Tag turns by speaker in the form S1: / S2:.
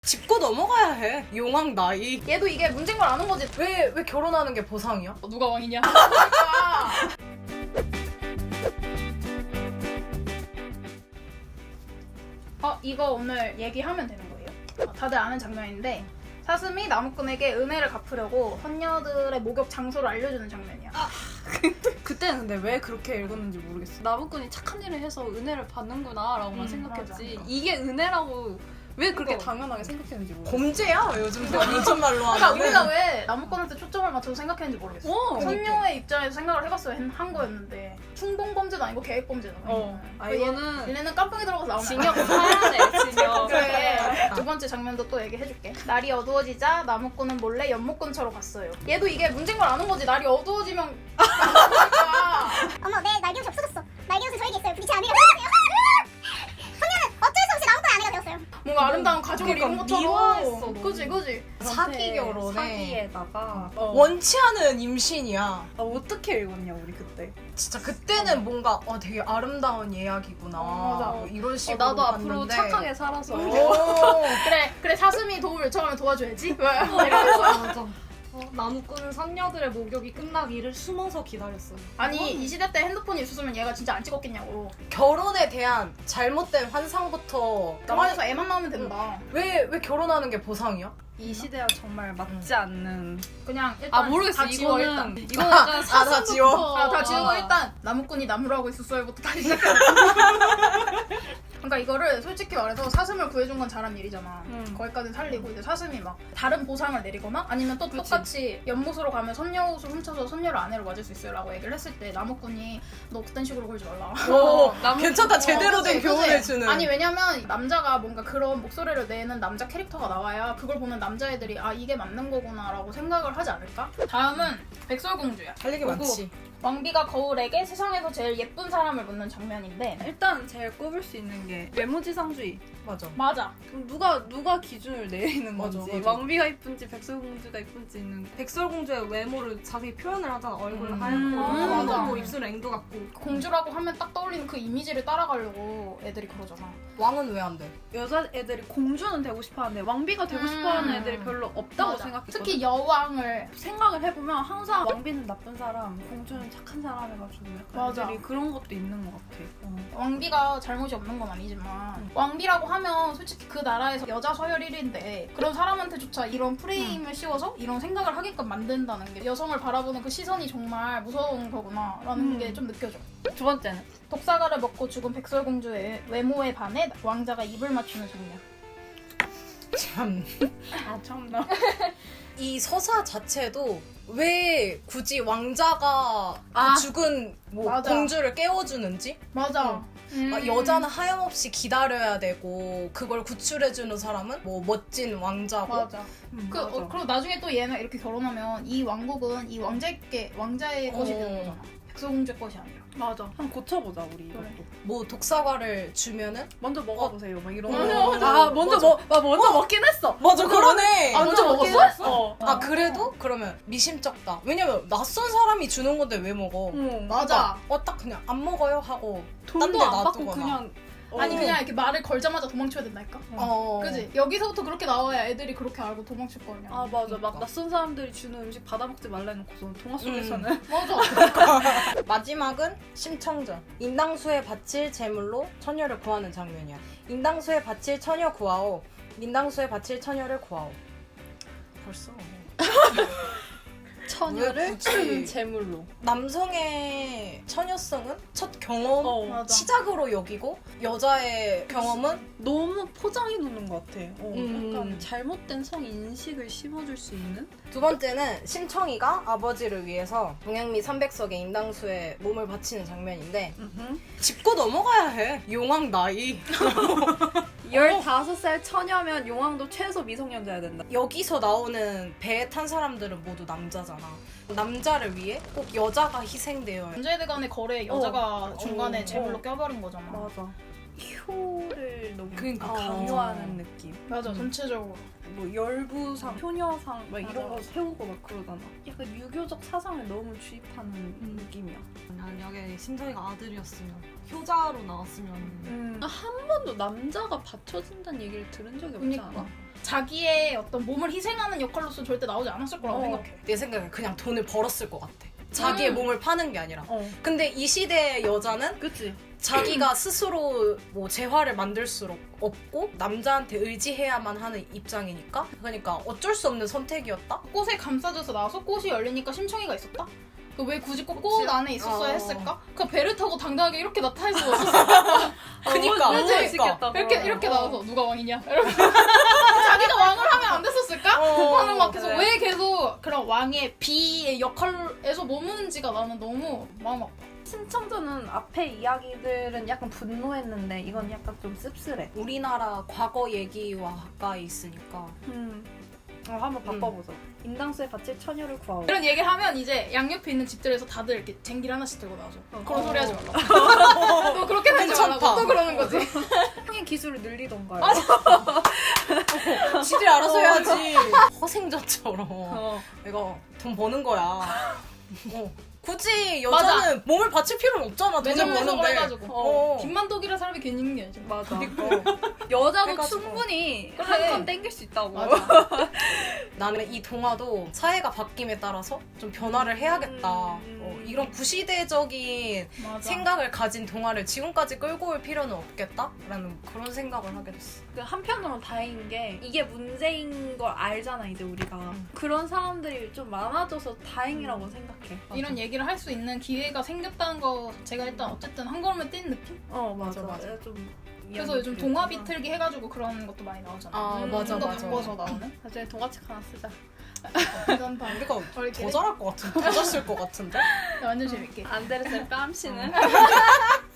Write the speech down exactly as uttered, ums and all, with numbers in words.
S1: 짚고 넘어가야 해. 용왕 나이.
S2: 얘도 이게 문제인 걸 아는 거지.
S1: 왜, 왜 결혼하는 게 보상이야?
S2: 어, 누가 왕이냐? 그러니까. 어, 이거 오늘 얘기하면 되는 거예요. 어, 다들 아는 장면인데 사슴이 나무꾼에게 은혜를 갚으려고 선녀들의 목욕 장소를 알려주는 장면이야.
S3: 아, 그때는 근데 왜 그렇게 읽었는지 모르겠어. 나무꾼이 착한 일을 해서 은혜를 받는구나 라고만
S2: 음,
S3: 생각했지.
S2: 맞아.
S3: 이게 은혜라고 왜 그렇게
S1: 어.
S3: 당연하게 생각했는지 모르겠어.
S1: 범죄야? 요즘 요즘 말로
S2: 그러니까
S1: 하면.
S2: 우리가 왜 나무꾼한테 초점을 맞춰서 생각했는지 모르겠어.
S3: 어,
S2: 선녀의 입장에서 생각을 해봤어야 한 거였는데 충동 범죄도 아니고 계획 범죄다.
S3: 어. 아,
S2: 그 얘-
S3: 이거는
S2: 얘네는 깜빵에 들어가서 나오면
S3: 징역 사야 돼, 징역.
S2: 그래. 두 번째 장면도 또 얘기해줄게. 날이 어두워지자 나무꾼은 몰래 연못근처로 갔어요. 얘도 이게 문제인 걸 아는 거지. 날이 어두워지면 그러니까.
S4: 어머, 내 날개옷이 없어졌어. 날개옷은 저에게 있어요. 부딪히 아내가 되었어요. 선녀는 어쩔 수 없이 나무꾼의 아내가 되었어요.
S2: 뭔가 아름다운 가족을
S3: 그러니까
S2: 이룬 것처럼.
S3: 미화했어, 너무.
S2: 그지 그지.
S1: 사기 결혼에
S3: 사기에다가 어.
S1: 원치 않은 임신이야.
S3: 아, 어떻게 읽었냐 우리 그때.
S1: 진짜 그때는 뭔가 어, 되게 아름다운 예약이구나.
S2: 어, 맞아.
S1: 뭐 이런
S3: 어,
S1: 식으로
S3: 나도 앞으로
S1: 봤는데.
S3: 착하게 살아서.
S1: 오.
S2: 그래 그래 사슴이 도움을 요청하면 도와줘야지. 왜? 이러면서.
S5: 맞아. 어, 나무꾼은 선녀들의 목욕이 끝나기를 숨어서 기다렸어요.
S2: 아니 이 시대 때 핸드폰이 있었으면 얘가 진짜 안 찍었겠냐고.
S1: 결혼에 대한 잘못된 환상부터
S2: 영화에서 애만 나오면 된다.
S1: 왜, 왜 결혼하는 게 보상이야?
S3: 이 시대와 정말 맞지 않는.
S2: 그냥 일단
S3: 아 모르겠어.
S2: 다 지워 일단.
S3: 이거는 이거는 약간
S1: 아, 다 지워?
S3: 사슴부터-
S2: 아, 다 지우고
S3: 아.
S2: 일단 나무꾼이 나무를 하고 있었어요부터 다시 시작해. 그러니까 이거를 솔직히 말해서 사슴을 구해준 건 잘한 일이잖아.
S3: 음.
S2: 거기까지 살리고 이제 사슴이 막 다른 보상을 내리거나 아니면 또
S3: 그치.
S2: 똑같이 연못으로 가면 선녀 옷을 훔쳐서 선녀를 아내로 맞을 수 있어요라고 얘기를 했을 때 나무꾼이 너 그딴 식으로 굴지 말라.
S1: 오,
S3: 나무-
S1: 괜찮다.
S3: 어,
S1: 제대로 된
S2: 그치,
S1: 교훈을
S2: 그치?
S1: 주는.
S2: 아니 왜냐면 남자가 뭔가 그런 목소리를 내는 남자 캐릭터가 나와야 그걸 보는 남자애들이 아 이게 맞는 거구나라고 생각을 하지 않을까? 다음은 백설공주야.
S1: 할 얘기
S2: 그리고
S1: 많지.
S2: 왕비가 거울에게 세상에서 제일 예쁜 사람을 묻는 장면인데
S3: 일단 제일 꼽을 수 있는 게 외모지상주의.
S1: 맞아.
S2: 맞아.
S3: 그럼 누가 누가 기준을 내리는
S1: 맞아,
S3: 건지,
S1: 맞아.
S3: 왕비가 이쁜지 백설공주가 이쁜지는.
S5: 백설공주의 외모를 자세히 표현을 하잖아. 얼굴은
S1: 음.
S5: 하얗고
S2: 아,
S5: 눈은
S2: 맞아.
S5: 뭐 입술은 앵두 같고.
S2: 공주라고 하면 딱 떠올리는 그 이미지를 따라가려고 애들이 그러잖아.
S1: 왕은 왜 안 돼?
S3: 여자 애들이 공주는 되고 싶어하는데 왕비가 되고
S2: 음.
S3: 싶어하는 애들이 별로 없다고
S2: 맞아.
S3: 생각했거든.
S2: 특히 여왕을
S3: 생각을 해보면 항상 왕비는 나쁜 사람, 공주는 착한 사람 해가지고 약간
S2: 맞아.
S3: 애들이 그런 것도 있는 것 같아. 어.
S2: 왕비가 잘못이 없는 건 아니지만
S3: 음.
S2: 왕비라고 하면 솔직히 그 나라에서 여자 서열 일 위인데 그런 사람한테조차 이런 프레임을
S3: 음.
S2: 씌워서 이런 생각을 하게끔 만든다는 게 여성을 바라보는 그 시선이 정말 무서운 거구나라는
S3: 음.
S2: 게 좀 느껴져.
S3: 두 번째는
S2: 독사가를 먹고 죽은 백설공주의 외모에 반해 왕자가 입을 맞추는 장면.
S1: 참.
S3: 아 참나.
S1: 이 서사 자체도 왜 굳이 왕자가
S2: 아.
S1: 그 죽은 뭐
S2: 맞아.
S1: 공주를 깨워주는지?
S2: 맞아. 음.
S1: 막 여자는 하염없이 기다려야 되고 그걸 구출해주는 사람은 뭐 멋진 왕자고
S2: 맞아.
S3: 음,
S2: 그,
S3: 맞아.
S2: 어, 그리고 나중에 또 얘는 이렇게 결혼하면 이 왕국은 이 왕자께 왕자의
S1: 어.
S2: 것이 되는 거잖아. 백설공주의 것이 아니라.
S3: 맞아. 한번 고쳐보자 우리 이것도.
S2: 그래.
S1: 뭐 독사과를 주면은
S3: 먼저 먹어보세요. 막 이런
S1: 맞아,
S3: 거.
S1: 맞아.
S3: 아 먼저
S1: 맞아.
S3: 먹. 나 먼저 먹긴 했어.
S1: 맞아 그러네.
S2: 아, 먼저
S3: 먹긴
S2: 먹었어?
S3: 했어.
S1: 아 그래도 그러면 미심쩍다. 왜냐면 낯선 사람이 주는 건데 왜 먹어?
S3: 어.
S2: 맞아.
S1: 어 딱 그냥 안 먹어요 하고 딴
S3: 돈도
S1: 데
S3: 안 받고
S1: 놔두거나.
S3: 그냥.
S2: 아니
S1: 어.
S2: 그냥 이렇게 말을 걸자마자 도망쳐야 된다니까.
S1: 어.
S2: 그지? 여기서부터 그렇게 나와야 애들이 그렇게 알고 도망칠 거 아니야.
S3: 아 맞아.
S1: 그러니까.
S3: 막 낯선 사람들이 주는 음식 받아 먹지 말라 해놓고서 동화 속에서는.
S2: 맞아.
S1: 마지막은 심청전. 인당수에 바칠 제물로 처녀를 구하는 장면이야. 인당수에 바칠 처녀 구하오. 인당수에 바칠 처녀를 구하오. 벌써
S3: 처녀를
S1: 왜 굳이?
S3: 제물로.
S1: 남성의 처녀성은 첫 경험
S3: 어.
S2: 맞아.
S1: 시작으로 여기고 여자의 경험은
S3: 너무 포장해 놓는 것 같아. 어,
S1: 음.
S3: 약간 잘못된 성 인식을 심어줄 수 있는.
S1: 두 번째는 심청이가 아버지를 위해서 동양미 삼백석의 인당수에 몸을 바치는 장면인데 짚고 넘어가야 해. 용왕 나이.
S3: 열다섯 살 처녀면 용왕도 최소 미성년자여야 된다.
S1: 여기서 나오는 배에 탄 사람들은 모두 남자잖아. 남자를 위해 꼭 여자가 희생되어야 해.
S2: 남자애들 간의 거래에 여자가
S1: 어.
S2: 중간에
S1: 어.
S2: 제물로
S3: 어.
S2: 껴버린 거잖아.
S3: 맞아. 효를 너무
S1: 그러니까.
S3: 강요하는 느낌.
S2: 맞아,
S3: 음.
S2: 전체적으로.
S3: 뭐 열부상, 효녀상 막 이런
S2: 맞아.
S3: 거 세우고 막 그러잖아. 약간 유교적 사상을 너무 주입하는 느낌이야.
S5: 만약에 심성이가 아들이었으면 효자로 나왔으면
S3: 음. 한 번도 남자가 받쳐준다는 얘기를 들은 적이 없지
S2: 그러니까.
S3: 않아?
S2: 자기의 어떤 몸을 희생하는 역할로서 절대 나오지 않았을 거라고
S3: 어.
S2: 생각해.
S1: 내 생각에 그냥 돈을 벌었을 것 같아. 자기의
S2: 음.
S1: 몸을 파는 게 아니라.
S3: 어.
S1: 근데 이 시대의 여자는
S3: 그치.
S1: 자기가 스스로 뭐 재화를 만들 수 없고 남자한테 의지해야만 하는 입장이니까 그러니까 어쩔 수 없는 선택이었다?
S2: 꽃에 감싸져서 나와서 꽃이 열리니까 심청이가 있었다? 그 왜 굳이 꼭 꽃 안에 있었어야
S1: 어.
S2: 했을까? 그 배를 타고 당당하게 이렇게 나타날 수가 없었어.
S1: 그니까
S3: 너무
S1: 그러니까.
S3: 멋있겠다.
S2: 이렇게 이렇게
S3: 어.
S2: 나와서 누가 왕이냐? 이러면서 자기가 왕을 하면 안 됐었을까?
S1: 어,
S2: 하는 막 계속
S3: 그래.
S2: 왜 계속 그런 왕의 비의 역할에서 머무는지가 나는 너무 마음 아파.
S3: 신청자는 앞에 이야기들은 약간 분노했는데 이건 약간 좀 씁쓸해.
S1: 우리나라 과거 얘기와 가까이 있으니까
S3: 음. 어, 한번 바꿔보자. 인당수에 바칠 처녀를 구하오.
S2: 이런 얘기를 하면 이제 양옆에 있는 집들에서 다들 이렇게 쟁기를 하나씩 들고 나와서 그런
S3: 어.
S2: 소리 하지 말라고. 또 그렇게 하지
S1: 괜찮다.
S2: 말라고 또 그러는 거지.
S3: 형의 기술을 늘리던가요.
S1: 지들이 알아서 해야지. 허생자처럼
S3: 어.
S1: 내가 돈 버는 거야. 어. 굳이 여자는 몸을 바칠 필요는 없잖아. 돈을
S2: 매점 매석을
S1: 버는데.
S2: 해가지고
S1: 어.
S2: 김만덕이라 사람이 괜히 있는 게 아니잖아.
S3: 맞아.
S1: 그러니까.
S3: 여자도
S1: 해가지고.
S3: 충분히
S2: 그래.
S3: 한 건 땡길 수 있다고.
S2: 맞아.
S1: 나는 이 동화도 사회가 바뀜에 따라서 좀 변화를 해야겠다.
S3: 음.
S1: 어, 이런 구시대적인
S2: 맞아.
S1: 생각을 가진 동화를 지금까지 끌고 올 필요는 없겠다라는 그런 생각을 하게 됐어.
S3: 그 한편으로는 다행인 게 이게 문제인 걸 알잖아 이제 우리가.
S1: 음.
S3: 그런 사람들이 좀 많아져서 다행이라고 생각해.
S2: 이런 얘기를 할 수 있는 기회가 생겼다는 거 제가 일단 어쨌든 한 걸음을 뛴 느낌?
S3: 어 맞아
S1: 맞아,
S3: 맞아. 좀
S2: 그래서 요즘 동화 비틀기 해가지고 그런 것도 많이 나오잖아.
S1: 아
S3: 음,
S1: 맞아
S2: 좀더
S1: 맞아.
S2: 바꿔서 나오는?
S3: 나중에 동화책 하나 쓰자.
S2: 괜찮다.
S1: 우리가
S2: 우리
S1: 더 잘할 것 같은데, 더 잘 쓸 것 같은데.
S2: 완전 재밌게.
S3: 안데르센 뺨씨는